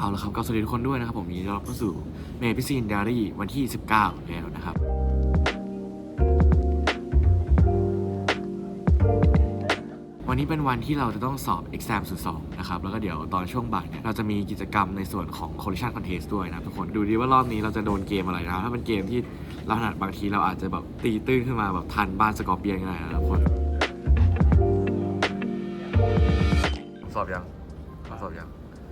ละครับก็สวัสดีทุกคนด้วยนะครับผมยินดีต้อนรับเข้าสู่เมย์พิซีนไดอารี่วันที่19แล้วนะครับวันนี้เป็นวันที่เราจะต้องสอบ Exam 02นะครับแล้วก็เดี๋ยวตอนช่วงบ่ายเนี่ยเราจะมีกิจกรรมในส่วนของ Collision Contest ด้วยนะทุกคนดูดีว่ารอบนี้เราจะโดนเกมอะไรนะถ้าเป็นเกมที่เราถนัดบางทีเราอาจจะแบบตีตื้นขึ้นมาแบบทันบ้านสกอร์เปียนก็ได้นะทุกคนสอบยังสอบยัง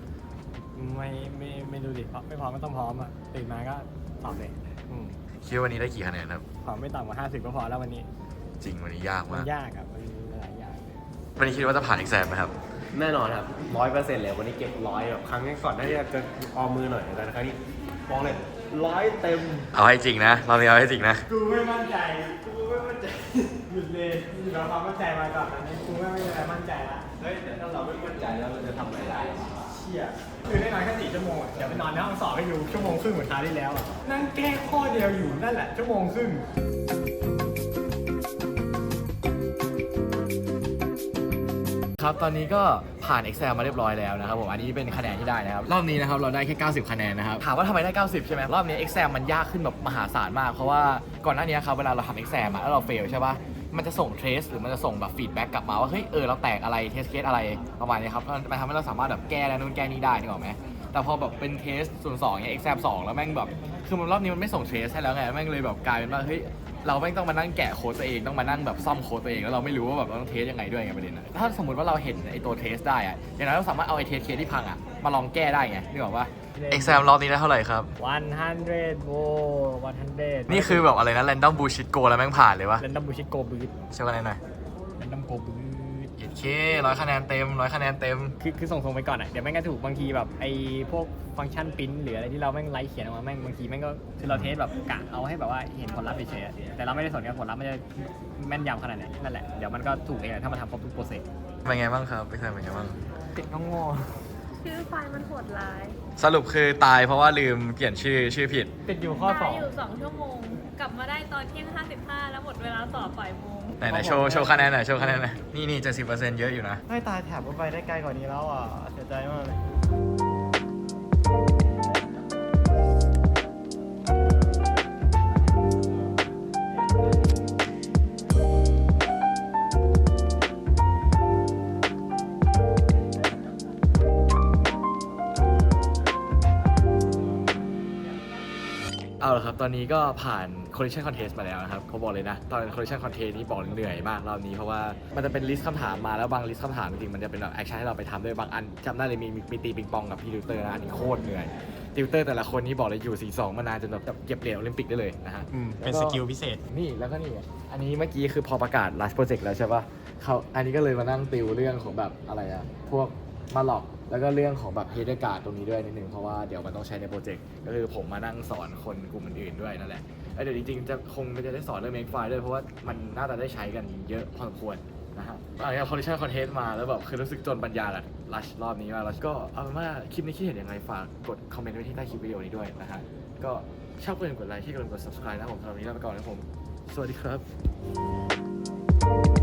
ไม่ดูดิไม่พร้อมก็ต้องพร้อมอ่ะตื่นมาก็สอบเลยคิดว่าวันนี้ได้กี่คะแนนครับพร้อมไม่ต่ำกว่า50ก็พอแล้ววันนี้จริงวันนี้ยากมัมากนยากอ่ะมันหลายอย่างวันนี้คิดว่าจะผ่าน Exam ไหมครับแน่นอนครับ100%เลยวันนี้เก็บ100แบบครั้งนี้ก่อนน่าจะออมมือหน่อยแต่ครั้งนี้มองเลย100 เต็มเอาให้จริงนะเราเอาให้จริงนะกูไม่มั่นใจหยุดเลยเราความมั่นใจมาก่อนอันนี้กูไม่มีอะไรมั่นใจละเฮ้ยแต่ถ้าเราไม่มั่นใจแล้วเราจะทำอะไรได้เชี่ยคือได้นอนแค่4 ชั่วโมงเดี๋ยวไปนอนในห้องสอบให้ดู1 ชั่วโมงครึ่งเหมือนคราวที่แล้วนั่งแก้ข้อเดียวอยู่นั่นแหละ1 ชั่วโมงครึ่งครับตอนนี้ก็ผ่าน Excel มาเรียบร้อยแล้วนะครับผมอันนี้เป็นคะแนนที่ได้นะครับรอบนี้นะครับเราได้แค่90คะแนนนะครับถามว่าทำไมได้90ใช่ไหมรอบนี้ Excel มันยากขึ้นแบบมหาศาลมากเพราะว่าก่อนหน้านี้ครับเวลาเราทำ Excel แล้วเราเฟลใช่ปะมันจะส่ง trace หรือมันจะส่งแบบฟีดแบ็กกลับมาว่าเฮ้ยเราแตกอะไร test case อะไรประมาณนี้ครับมันทำให้เราสามารถแบบแก้แล้วนู่นแก้นี่ได้นึกออกไหมแต่พอแบบเป็น test 02เนี่ย Excel 2แล้วแม่งแบบคือมันรอบนี้มันไม่ส่ง trace ให้แล้วไงแม่งเลยแบบกลายเป็นว่าเฮ้ยเราไม่ต้องมานั่งแกะโค้ดตัวเองต้องมานั่งแบบซ่อมโค้ดตัวเองแล้วเราไม่รู้ว่าแบบเราต้องเทสยังไงด้วยไงประเด็นนะถ้าสมมติว่าเราเห็นไอตัวเทสได้อะอย่างนั้นเราสามารถเอาไอเทสเคสที่พังอะมาลองแก้ได้ไงนึกออกปะ Exam รอบนี้ได้เท่าไหร่ครับ 100โว้100 นี่คือแบบอะไรนะ Random Bullshit Go แล้วแม่งผ่านเลยวะ Random Bullshit Go Boost ใช่ไหมหน่อย Random Go Boost 100 คะแนนเต็ม100 คะแนนเต็มคือส่งไปก่อนอ่ะเดี๋ยวแม่งก็ถูกบางทีแบบไอ้พวกฟังก์ชันปริ้นหรืออะไรที่เราแม่งไลฟ์เขียนออกมาแม่งบางทีแม่งก็คือเราเทสแบบกะเอาให้แบบว่าเห็นผลลัพธ์เฉยๆแต่เราไม่ได้สนกับผลลัพธ์มันจะแม่นยำขนาดไหนนั่นแหละเดี๋ยวมันก็ถูกเองถ้ามันทำครบทุกโปรเซสเป็นไงบ้างครับเป็นไงบ้างติดน้องงอชื่อไฟล์มันโหดร้ายสรุปคือตายเพราะว่าลืมเปลี่ยนชื่อผิดติดอยู่ข้อ2 อยู่2 ชั่วโมงกลับมาได้ตอนเที่ยง55แล้วหมดเวลาสอบบ่ายโมงไหนโชว์คะแนนหน่อยนี่ 70% เยอะอยู่นะไม่ตายแถบไปได้ไกลกว่านี้แล้วอ่ะเสียใจมากเลยเอาละครับตอนนี้ก็ผ่าน Collision Contest มาแล้วนะครับเขาบอกเลยนะตอน Collision Contest นี้บอกเหนื่อยมากรอบนี้เพราะว่ามันจะเป็นลิสต์คำถามมาแล้วบางลิสต์คำถามจริงๆมันจะเป็นแบบแอคชั่นให้เราไปทำด้วยบางอันจำได้เลยมีตีปิงปองกับพี่ติวเตอร์นะอันนี้โคตรเหนื่อยติวเตอร์แต่ละคนนี้บอกเลยอยู่42มานานจนแบบเก็บเหรียญโอลิมปิกได้เลยนะฮะเป็นสกิลพิเศษนี่แล้วก็นี่อันนี้เมื่อกี้คือพอประกาศ last project แล้วใช่ปะเขาอันนี้ก็เลยมานั่งติวเรื่องของแบบอะไรอะพวกมาหลอกแล้วก็เรื่องของแบบเฮดการ์ดตรงนี้ด้วยนิดนึงเพราะว่าเดี๋ยวมันต้องใช้ในโปรเจกต์ก็คือผมมานั่งสอนคนกลุ่มอื่นๆด้วยนั่นแหละแล้วเดี๋ยวจริงๆจะได้สอนเรื่อง make file ด้วยเพราะว่ามันน่าจะได้ใช้กันเยอะพอสมควรนะฮะอะไรอย่าง Collision Contest มาแล้วแบบคือรู้สึกจนปัญญากับลัชรอบนี้มากแล้วก็เอาเป็นว่าคลิปนี้คิดเห็นยังไงฝากกดคอมเมนต์ไว้ที่ใต้คลิปวิดีโอนี้ด้วยนะฮะก็ชอบก็อย่าลืมกดไลค์ที่กด subscribe นะผมสำหรับวันนี้ลาไปก่อนนะผมสวัสดีครับ